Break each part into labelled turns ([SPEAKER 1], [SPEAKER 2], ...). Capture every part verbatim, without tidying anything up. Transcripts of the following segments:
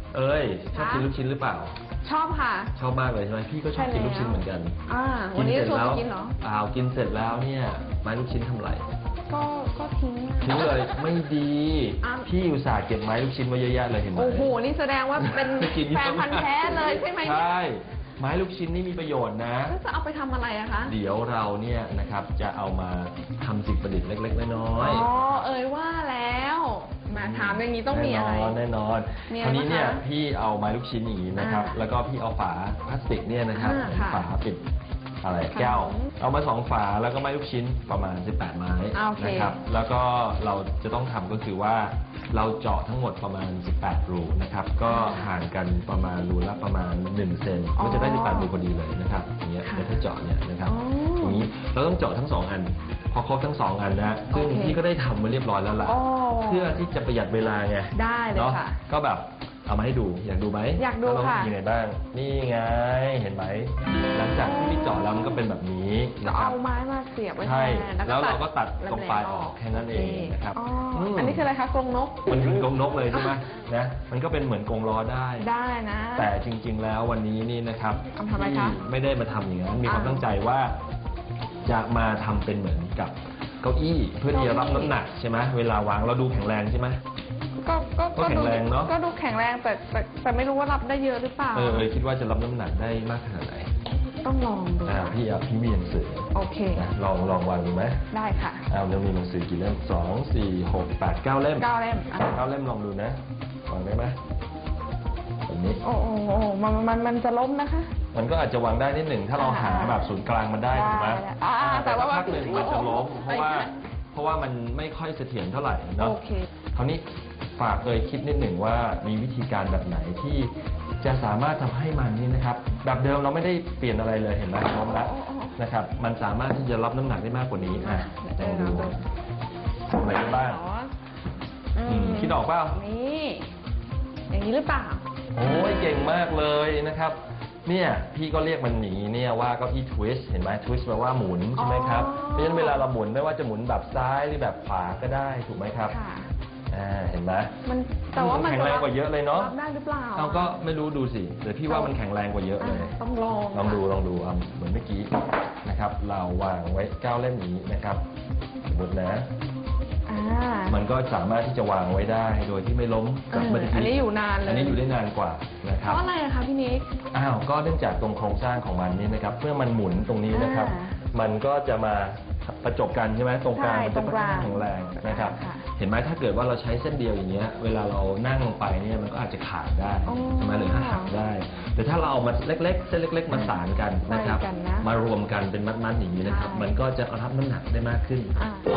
[SPEAKER 1] เอ้ยชอบกินลูกชิ้นหรือเปล่า
[SPEAKER 2] ชอบค่ะ
[SPEAKER 1] ชอบมากเลยใช่ไหมพี่ก็ชอบกินลูกชิ้นเหมือนกัน
[SPEAKER 2] อ่าวันนี้ชวนไปกินเหรอ
[SPEAKER 1] อ้าวกินเสร็จแล้วเนี่ยไม้ลูกชิ้นทำไร
[SPEAKER 2] ก็ก็ทิ้ง
[SPEAKER 1] ทิ้งเลยไม่ดีพี่อุตส่าห์เก็บไม้ลูกชิ้นไว้เยอะๆเลยเห็นไหม
[SPEAKER 2] โอ้โหนี่แสดงว่าเป็นแฟนพันธุ์แท้เลยใช่ไหม
[SPEAKER 1] ใช่ไม้ลูกชิ้นนี่มีประโยชน์นะ
[SPEAKER 2] แล้วจะเอาไปทำอะไรอะคะ
[SPEAKER 1] เดี๋ยวเราเนี่ยนะครับจะเอามาทำสิ่งประดิษฐ์เล็กๆน้อย
[SPEAKER 2] ๆอ๋อเอ่ยว่าแล้วมาถามอย่างนี้ต้องมีอะไร
[SPEAKER 1] แน่นอนคราวนี้เนี่ยพี่เอาไม้ลูกชิ้นอย่างนี้นะครับแล้วก็พี่เอาฝาพลาสติกเนี่ยนะครับฝาปิดอะไรแก้วเอามาสองฝาแล้วก็ไม้ลูกชิ้นประมาณสิบแปดไม้นะครับแล้วก็เราจะต้องทำก็คือว่าเราเจาะทั้งหมดประมาณสิบแปดรูนะครับก็ห่างกันประมาณรูละประมาณหนึ่งเซนก็จะได้สิบแปดรูพอดีเลยนะครับอย่างเงี้ยถ้าเจาะเนี่ยนะครับอย่างนี้เราต้องเจาะทั้งสองอันพอครบทั้งสองอันนะซึ่งพี่ก็ได้ทำมาเรียบร้อยแล้วล่ะเพื่อที่จะประหยัดเวลาไง
[SPEAKER 2] ได้เลยค่ะ
[SPEAKER 1] ก็แบบเอามาให้ดูอยากดูไหม
[SPEAKER 2] อยากดูค่ะ
[SPEAKER 1] ยังไงบ้างนี่ไงเห็นไหมหลังจากที่พี่เจาะแล้วมันก็เป็นแบบนี้
[SPEAKER 2] นะครับเอาไม้มาเสียบไว้
[SPEAKER 1] ใช่แล้วเราก็ตัดตรงปลายออกแค่นั้นเองนะครับ
[SPEAKER 2] อันนี้คืออะไรคะกรงนก
[SPEAKER 1] มันคือกรงนกเลยใช่ไหมนะมันก็เป็นเหมือนกรงล้อได้
[SPEAKER 2] ได้นะ
[SPEAKER 1] แต่จริงๆแล้ววันนี้นี่นะครับ
[SPEAKER 2] ทำไมคะ
[SPEAKER 1] ไม่ได้มาทำอย่างนั้นมีความตั้งใจว่าจะมาทำเป็นเหมือนกับเก้าอี้เพื่อที่จะรับน้ำหนักใช่ไหมเวลาวางเราดูแข็งแรงใช่ไหม
[SPEAKER 2] ก็ก็
[SPEAKER 1] ก็แข็งแรงเนาะ
[SPEAKER 2] ก็ดูแข็งแรงแต่แต่แต่ไม่รู้ว่ารับได้เยอะหรือเปล่า
[SPEAKER 1] เออคิดว่าจะรับน้ำหนักได้มากขนาดไหน
[SPEAKER 2] ต้องลองดู
[SPEAKER 1] อ่าพี่เอาพี่มีหนังสือ
[SPEAKER 2] โอเค
[SPEAKER 1] ลองลองวางดูไหม
[SPEAKER 2] ได้ค่ะ
[SPEAKER 1] เอาเรามีหนังสือกี่เล่มสองสี่หกแปดเก้าเล่ม
[SPEAKER 2] เก้าเล่ม
[SPEAKER 1] เก้าเล่มลองดูนะวางได้ไหมแบบนี้
[SPEAKER 2] โอ้โหมันมันมันจะล้มนะคะ
[SPEAKER 1] มันก็อาจจะวางได้นิดหนึ่งถ้าเราหาแบบศูนย์กลางมันได้ถูกไหมแต่ว่าพักหนึ่งมันจะล้มเพราะว่าเพราะว่ามันไม่ค่อยเสถียรเท่าไหร่เนาะคราวนี้ฝากเลยคิดนิดหนึ่งว่ามีวิธีการแบบไหนที่จะสามารถทำให้มันนี่นะครับแบบเดิมเราไม่ได้เปลี่ยนอะไรเลยเห็นไหมพร้อมแล้วนะครับมันสามารถที่จะรับน้ำหนักได้มากกว่านี้อ่ะลองดูทำอะไรบ้างคิดออกเปล่า
[SPEAKER 2] นี่อย่างนี้หรือเปล่า
[SPEAKER 1] โอ้ยเก่งมากเลยนะครับเนี่ยพี่ก็เรียกมันหนีเนี่ยว่าเก้าอี้ทวิสต์เห็นไหมทวิสต์แปลว่าหมุนใช่ไหมครับเพราะฉะนั้นเวลาเราหมุนไม่ว่าจะหมุนแบบซ้ายหรือแบบขวาก็ได้ถูกไหมครับอ่าเห็นไหม
[SPEAKER 2] มันแต่ว่ามัน
[SPEAKER 1] แข็งแรงกว่าเยอะเลยเนาะ
[SPEAKER 2] ได้หรือเปล่า
[SPEAKER 1] เราก็ไม่รู้ดูสิแต่พี่ว่ามันแข็งแรงกว่าเยอะเลย
[SPEAKER 2] ต้องลอง
[SPEAKER 1] ลองดูลองดูเอาเหมือนเมื่อกี้นะครับเราวางไว้เก้าเล่มนี้นะครับสมมตินะมันก็สามารถที่จะวางไว้ได้โดยที่ไม่ล้มกับ
[SPEAKER 2] เมื่อกี้อันนี้อยู่นานเลย
[SPEAKER 1] อันนี้อยู่ได้นานกว่านะครับ
[SPEAKER 2] เพราะอะไรคะพี่นิก
[SPEAKER 1] อ้าวก็เนื่องจากตรงโครงสร้างของมันนี่นะครับเมื่อมันหมุนตรงนี้นะครับมันก็จะมาประจบกันใช่ไหมตรงกลางมันจะค่อนข้างแข็งแรงนะครับเห็นไหมถ้าเกิดว่าเราใช้เส้นเดียวอย่างเงี้ยเวลาเรานั่งลงไปเนี่ยมันก็อาจจะขาดได้ใช่ไหมหรือถ้าหักได้แต่ถ้าเราเอามาเล็กๆเส้นเล็กๆมาสานกันนะครับมารวมกันเป็นมัดๆอย่างนี้นะครับมันก็จะรับน้ำหนักได้มากขึ้น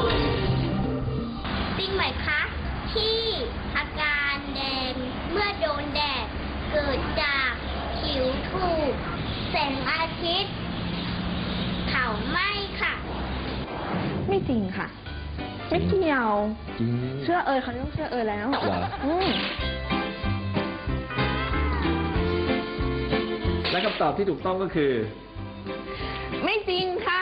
[SPEAKER 3] จริงไหมคะที่อาการแดงเมื่อโดนแดดเกิดจากผิวถูกแสงอาทิตย์เผาไหม้ค่ะ
[SPEAKER 2] ไม่จริงค่ะไม่เกี่ยวเชื่อเอ่ยเขาต้องเชื่อเอ่ยแล้ว
[SPEAKER 1] และคำตอบที่ถูกต้องก็คือ
[SPEAKER 2] ไม่จริงค่ะ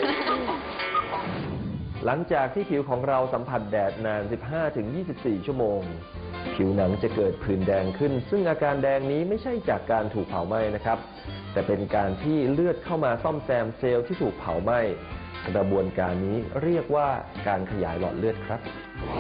[SPEAKER 1] หลังจากที่ผิวของเราสัมผัสแดดนาน สิบห้าถึงยี่สิบสี่ ชั่วโมงผิวหนังจะเกิดผื่นแดงขึ้นซึ่งอาการแดงนี้ไม่ใช่จากการถูกเผาไหม้นะครับแต่เป็นการที่เลือดเข้ามาซ่อมแซมเซลล์ที่ถูกเผาไหม้กระบวนการนี้เรียกว่าการขยายหลอดเลือดครับ